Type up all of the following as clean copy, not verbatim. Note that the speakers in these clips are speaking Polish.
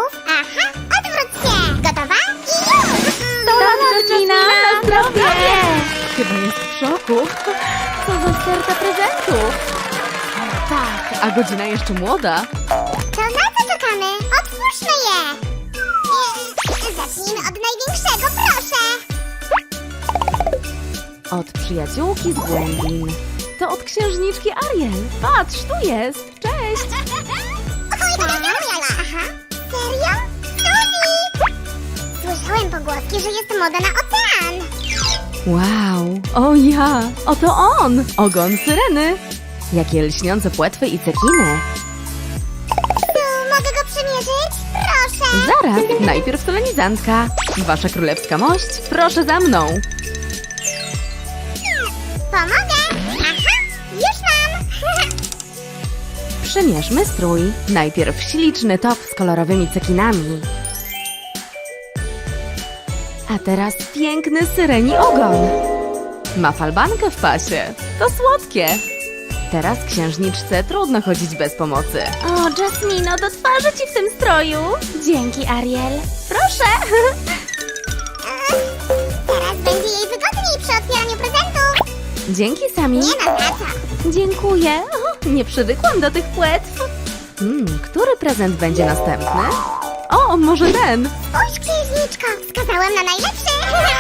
prezentów. Aha, odwróć się. Gotowa? I już! Jasmina, na zdrowie! Chyba jest w szoku. Co za sterta prezentów. Tak, a godzina jeszcze młoda. To na co czekamy? Otwórzmy je. Zacznijmy od największego, proszę. Od przyjaciółki z głębin. To od księżniczki Ariel. Patrz, tu jest. Cześć! Aha. Serio? Suli! Słyszałem pogłoski, że jest moda na ocean. Wow, o ja, oto on! Ogon syreny. Jakie lśniące płetwy i cekiny. Mogę go przymierzyć? Proszę. Zaraz, najpierw solenizantka. Wasza królewska mość, proszę za mną. Pomogę. Aha, już mam. Przymierzmy strój. Najpierw śliczny top z kolorowymi cekinami. A teraz piękny syreni ogon. Ma falbankę w pasie. To słodkie. Teraz księżniczce trudno chodzić bez pomocy. O, Jasmino, do twarzy ci w tym stroju. Dzięki, Ariel. Proszę. Teraz będzie jej wygodniej przy otwieraniu prezentów. Dzięki, Sami. Nie ma za co. Dziękuję. O, nie przywykłam do tych płetw. Który prezent będzie następny? O, może ten. Spójrz, księżniczko, wskazałem na najlepszy.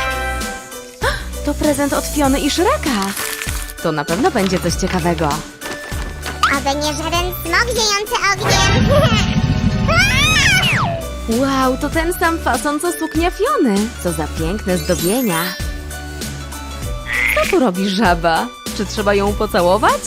To prezent od Fiony i Shreka. To na pewno będzie coś ciekawego. Oby nie żaden smok ziejący ogniem. Wow, to ten sam fason co suknia Fiony. Co za piękne zdobienia. Co tu robi żaba? Czy trzeba ją pocałować?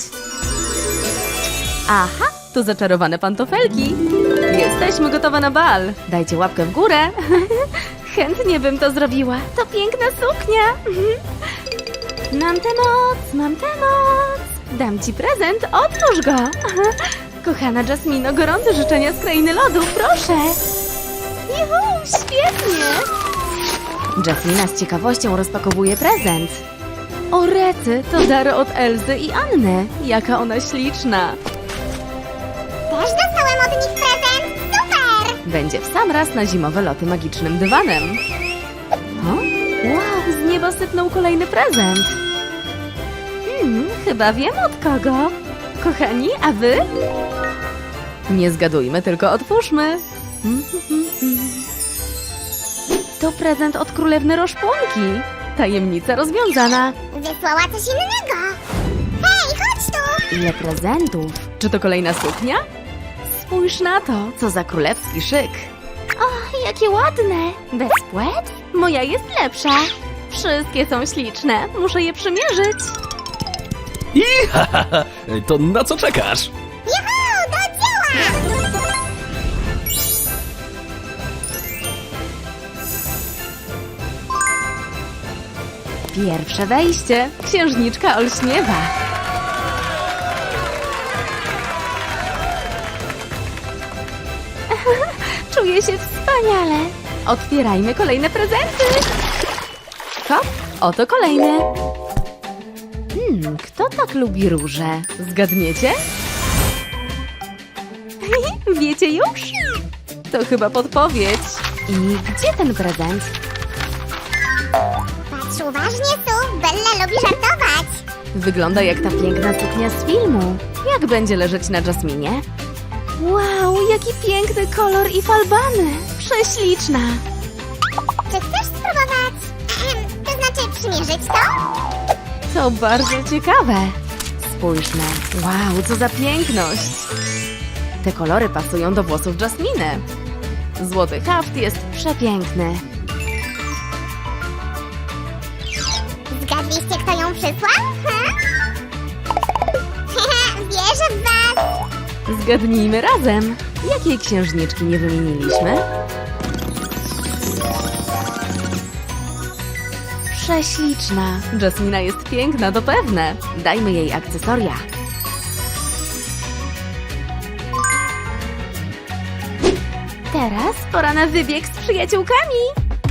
Aha, to zaczarowane pantofelki. Jesteśmy gotowe na bal. Dajcie łapkę w górę. Chętnie bym to zrobiła. To piękna suknia. Mam tę moc, mam tę moc. Dam ci prezent, otwórz go. Kochana Jasmino, gorące życzenia z krainy lodu, proszę. Juhu, świetnie. Jasmina z ciekawością rozpakowuje prezent. O rety, to dar od Elzy i Anny. Jaka ona śliczna. Też dostałem od nich prezent. Super! Będzie w sam raz na zimowe loty magicznym dywanem. O? Wow, z nieba sypnął kolejny prezent. Chyba wiem od kogo. Kochani, a wy? Nie zgadujmy, tylko otwórzmy. To prezent od królewny Roszpunki. Tajemnica rozwiązana. Wysłała coś innego. Hej, chodź tu! Ile prezentów? Czy to kolejna suknia? Spójrz na to, co za królewski szyk. O, jakie ładne! Bez płetw? Moja jest lepsza. Wszystkie są śliczne. Muszę je przymierzyć. I to na co czekasz? Juhu, do dzieła! Pierwsze wejście. Księżniczka olśniewa. Czuję się wspaniale. Otwierajmy kolejne prezenty. Hop, oto kolejny. Kto tak lubi róże? Zgadniecie? Wiecie już? To chyba podpowiedź. I gdzie ten prezent? Patrz uważnie, Su. Bella lubi żartować. Wygląda jak ta piękna suknia z filmu. Jak będzie leżeć na Jasminie? Wow, jaki piękny kolor i falbany. Prześliczna. Czy chcesz spróbować? To znaczy przymierzyć to? To bardzo ciekawe. Spójrzmy. Wow, co za piękność. Te kolory pasują do włosów Jasminy. Złoty haft jest przepiękny. Zgadliście, kto ją przysłał? Wierzę w was. Zgadnijmy razem. Jakiej księżniczki nie wymieniliśmy? Prześliczna. Jasmina jest piękna, to pewne. Dajmy jej akcesoria. Teraz pora na wybieg z przyjaciółkami.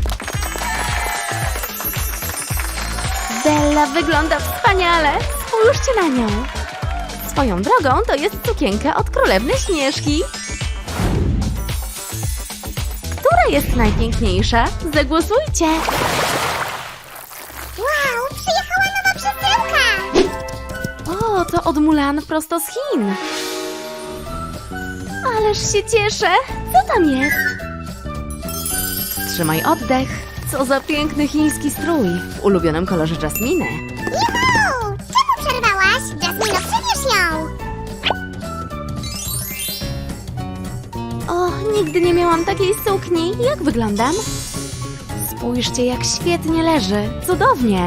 Bella wygląda wspaniale. Spójrzcie na nią. Swoją drogą to jest sukienka od królewny Śnieżki. Która jest najpiękniejsza? Zagłosujcie! Wow, przyjechała nowa przesyłka! O, to od Mulan prosto z Chin. Ależ się cieszę! Co tam jest? Wstrzymaj oddech. Co za piękny chiński strój w ulubionym kolorze Jasminy. Juhu! Czemu przerwałaś? Jasmino, przebierz ją! O, nigdy nie miałam takiej sukni. Jak wyglądam? Spójrzcie, jak świetnie leży. Cudownie.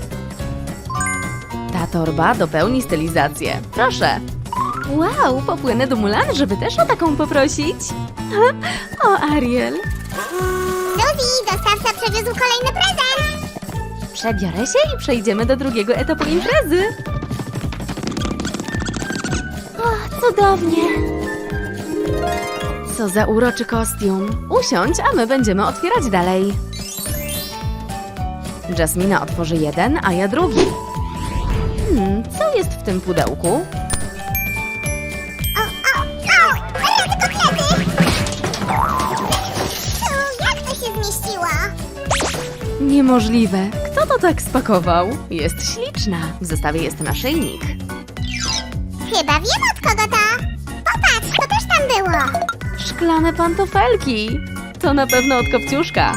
Ta torba dopełni stylizację. Proszę. Wow, popłynę do Mulan, żeby też o taką poprosić. O, Ariel. Suzy, dostawca przywiózł kolejny prezent! Przebiorę się i przejdziemy do drugiego etapu imprezy. O, cudownie. Co za uroczy kostium. Usiądź, a my będziemy otwierać dalej. Jasmina otworzy jeden, a ja drugi. Co jest w tym pudełku? Rady kotlety! Jak to się zmieściło? Niemożliwe. Kto to tak spakował? Jest śliczna. W zestawie jest naszyjnik. Chyba wiem, od kogo to! Popatrz, to też tam było! Szklane pantofelki. To na pewno od Kopciuszka.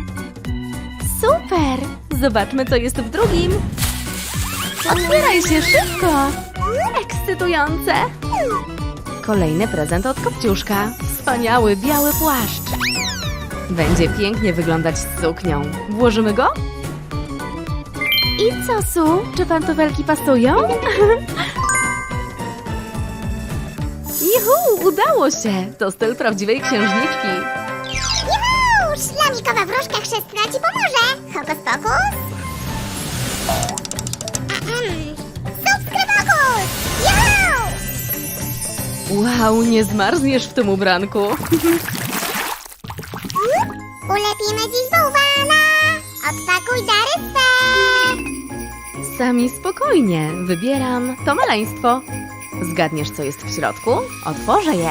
Super! Zobaczmy, co jest w drugim. Otwieraj się szybko! Ekscytujące! Kolejny prezent od Kopciuszka. Wspaniały, biały płaszcz. Będzie pięknie wyglądać z suknią. Włożymy go? I co, Su? Czy pantofelki pasują? Juhu, udało się! To styl prawdziwej księżniczki. Juhu! Szlamikowa wróżka chrzestna ci pomoże! Hokus pokus! Subskrybokus! Juhu! Wow, nie zmarzniesz w tym ubranku. Ulepimy dziś bałwana! Odpakuj dary swe! Sami spokojnie, wybieram to maleństwo. Zgadniesz, co jest w środku? Otworzę je.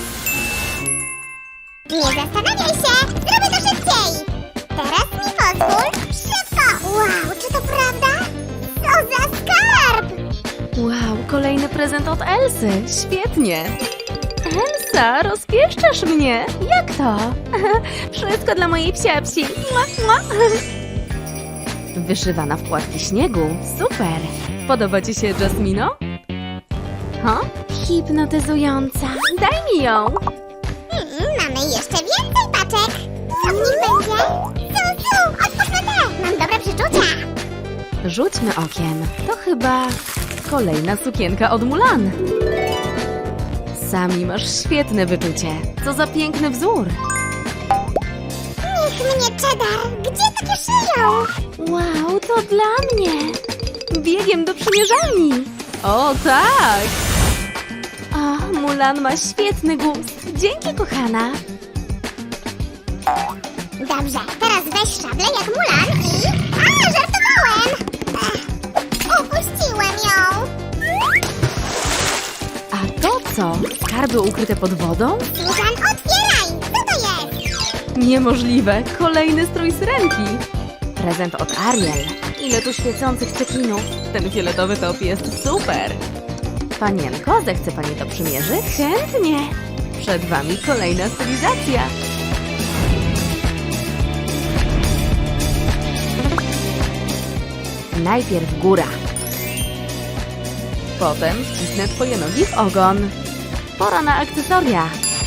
Nie zastanawiaj się! Zrobię to szybciej! Teraz mi pozwól! Szybko! Wow, czy to prawda? Co za skarb! Wow, kolejny prezent od Elsy. Świetnie. Elsa, rozpieszczasz mnie. Jak to? Wszystko dla mojej psiapsi. Mua, mua. Wyszywana w płatki śniegu. Super. Podoba ci się, Jasmino? Ha? Hipnotyzująca. Daj mi ją. Mamy jeszcze więcej paczek! Co w nich będzie? Otwórzmy te! Mam dobre przeczucia! Rzućmy okiem. To chyba kolejna sukienka od Mulan. Sami masz świetne wyczucie. Co za piękny wzór. Niech mnie, Cheddar! Gdzie takie szyją? Wow, to dla mnie. Biegiem do przymierzalni. O, tak. O, Mulan ma świetny gust. Dzięki, kochana. Dobrze, teraz weź szablę jak Mulan i... A, żartowałem! Upuściłem ją! A to co? Skarby ukryte pod wodą? Susan, otwieraj! Co to jest? Niemożliwe. Kolejny strój syrenki. Prezent od Ariel. Ile tu świecących cekinów. Ten fioletowy top jest super. Panienko, zechce pani to przymierzyć? Chętnie. Przed wami kolejna stylizacja. Najpierw góra. Potem wcisnę twoje nogi w ogon. Pora na akcesoria.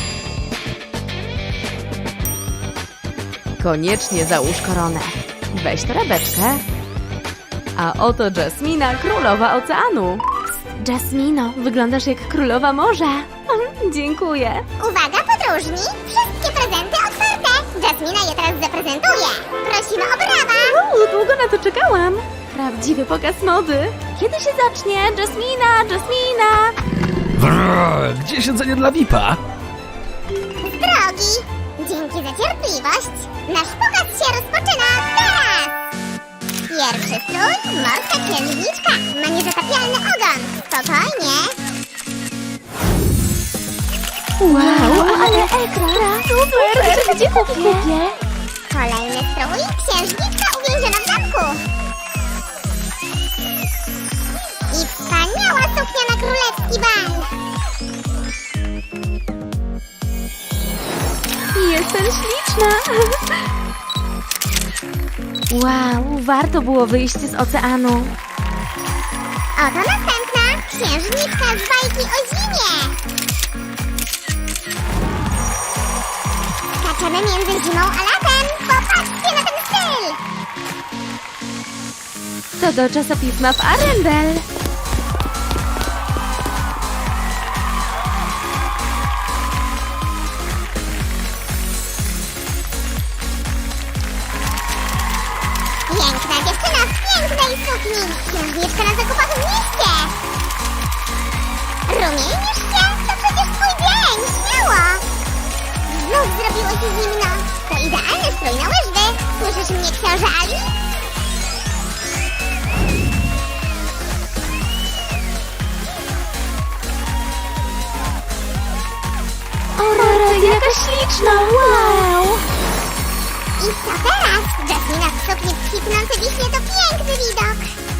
Koniecznie załóż koronę. Weź torebeczkę. A oto Jasmina, królowa oceanu. Psst, Jasmino, wyglądasz jak królowa morza. Dziękuję. Uwaga, podróżni! Wszystkie prezenty otwarte! Jasmina je teraz zaprezentuje! Prosimy o brawa! Długo na to czekałam. Prawdziwy pokaz mody. Kiedy się zacznie? Jasmina, Jasmina! Brrr, gdzie siedzenie dla VIP-a? Drogi! Dzięki za cierpliwość! Nasz pokaz się rozpoczyna teraz! Pierwszy strój, morska księżniczka, ma niezatapialny ogon. Spokojnie. Wow, Ale ekstra! Super! Gdzie kupię? Kolejny strój. Księżniczka uwięziona w zamku. I wspaniała suknia na królewski bal. Jestem śliczna! Wow, warto było wyjść z oceanu. Oto następna. Księżniczka z bajki o zimie. Skaczemy między zimą a latem. Popatrzcie na ten styl. To do czasopisma w Arendelle. Piękna dziewczyna w pięknej sukni. Księżniczka na zakupach w mieście. Rumienisz się? To przecież twój dzień. Śmiało. Znów zrobiło się zimno. To idealny strój na łyżwy. Słyszysz mnie, książę Ali? O, rety, jaka śliczna! Wow! I co teraz? Jasmina w sukni w kwitnące wiśnie to piękny widok.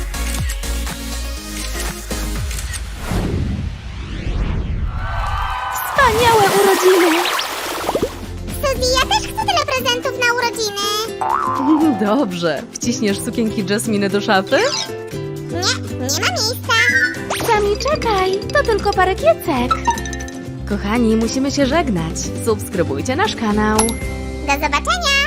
Wspaniałe urodziny! Suzy, ja też chcę tyle prezentów na urodziny. Dobrze. Wciśniesz sukienki Jasminy do szafy? Nie ma miejsca. Sami czekaj, to tylko parę kiecek. Kochani, musimy się żegnać. Subskrybujcie nasz kanał. Do zobaczenia.